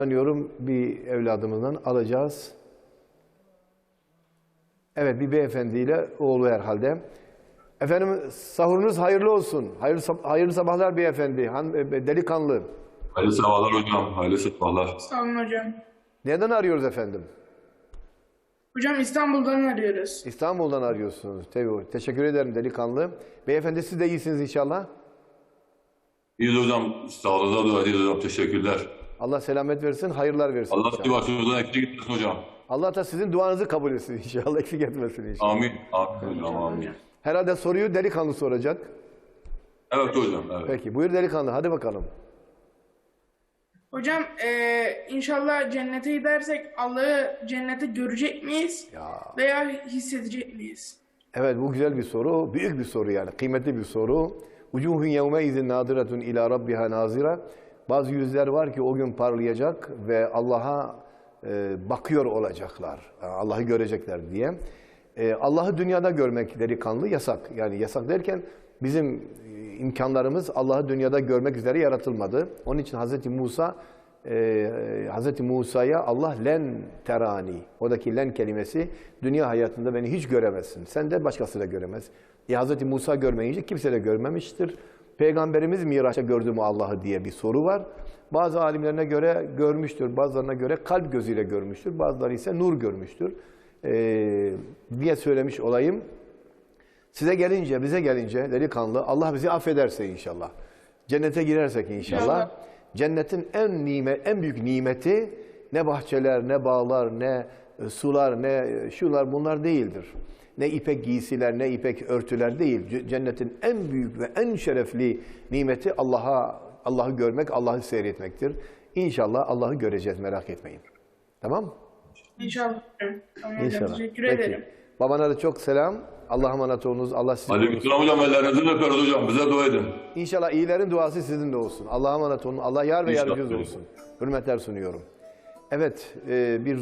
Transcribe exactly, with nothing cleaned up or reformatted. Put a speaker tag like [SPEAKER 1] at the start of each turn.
[SPEAKER 1] Sanıyorum bir evladımızdan alacağız. Evet, bir beyefendiyle oğlu herhalde. Efendim, sahurunuz hayırlı olsun. Hayırlı, hayırlı sabahlar beyefendi, Han, delikanlı.
[SPEAKER 2] Hayırlı sabahlar hocam, hayırlı sabahlar.
[SPEAKER 3] Sağ olun hocam.
[SPEAKER 1] Neden arıyoruz efendim?
[SPEAKER 3] Hocam İstanbul'dan arıyoruz.
[SPEAKER 1] İstanbul'dan arıyorsunuz. Te- Teşekkür ederim delikanlı. Beyefendi siz de iyisiniz inşallah.
[SPEAKER 2] İyiyiz hocam, sağlığınıza dua ederiz hocam, teşekkürler.
[SPEAKER 1] Allah selamet versin, hayırlar versin
[SPEAKER 2] Allah
[SPEAKER 1] inşallah.
[SPEAKER 2] sizi başınızdan eksik etmesin hocam.
[SPEAKER 1] Allah da sizin duanızı kabul etsin inşallah, eksik etmesin inşallah.
[SPEAKER 2] Amin, amin hocam, amin.
[SPEAKER 1] Herhalde soruyu delikanlı soracak.
[SPEAKER 2] Evet hocam, evet.
[SPEAKER 1] Peki, buyur delikanlı, hadi bakalım.
[SPEAKER 3] Hocam eee, inşallah cennete gidersek Allah'ı cennete görecek miyiz?
[SPEAKER 1] Ya.
[SPEAKER 3] Veya hissedecek miyiz?
[SPEAKER 1] Evet, bu güzel bir soru, büyük bir soru yani, kıymetli bir soru. Vucuhun yevme izin nadiratun ila rabbiha nazira. Bazı yüzler var ki o gün parlayacak ve Allah'a e, bakıyor olacaklar. Allah'ı görecekler diye. E, Allah'ı dünyada görmek delikanlı yasak. Yani yasak derken bizim imkanlarımız Allah'ı dünyada görmek üzere yaratılmadı. Onun için Hazreti Musa e, Hazreti Musa'ya Allah len terani, oradaki len kelimesi dünya hayatında beni hiç göremezsin. Sen de başkası da göremez. E, Hazreti Musa görmeyince kimse de görmemiştir. Peygamberimiz Miraç'ta gördü mü Allah'ı diye bir soru var. Bazı alimlerine göre görmüştür, bazılarına göre kalp gözüyle görmüştür, bazıları ise nur görmüştür ee, diye söylemiş olayım. Size gelince, bize gelince delikanlı, Allah bizi affederse inşallah, cennete girersek inşallah,
[SPEAKER 3] İnşallah.
[SPEAKER 1] cennetin en nimet, en büyük nimeti ne bahçeler, ne bağlar, ne sular, ne şular bunlar değildir. Ne ipek giysiler, ne ipek örtüler değil. Cennetin en büyük ve en şerefli nimeti Allah'a, Allah'ı görmek, Allah'ı seyretmektir. İnşallah Allah'ı göreceğiz, merak etmeyin. Tamam mı?
[SPEAKER 3] İnşallah. Tamam hocam,
[SPEAKER 1] İnşallah.
[SPEAKER 3] teşekkür
[SPEAKER 1] Peki.
[SPEAKER 3] ederim.
[SPEAKER 1] Babana da çok selam. Allah'a emanet olunuz. Allah sizi korusun.
[SPEAKER 2] Aleykümselam hocam, ellerinizden öperiz hocam, bize dua edin.
[SPEAKER 1] İnşallah iyilerin duası sizin de olsun. Allah'a emanet olun. Allah yar ve
[SPEAKER 2] İnşallah.
[SPEAKER 1] yardımcınız olsun. Hürmetler sunuyorum. Evet, e, bir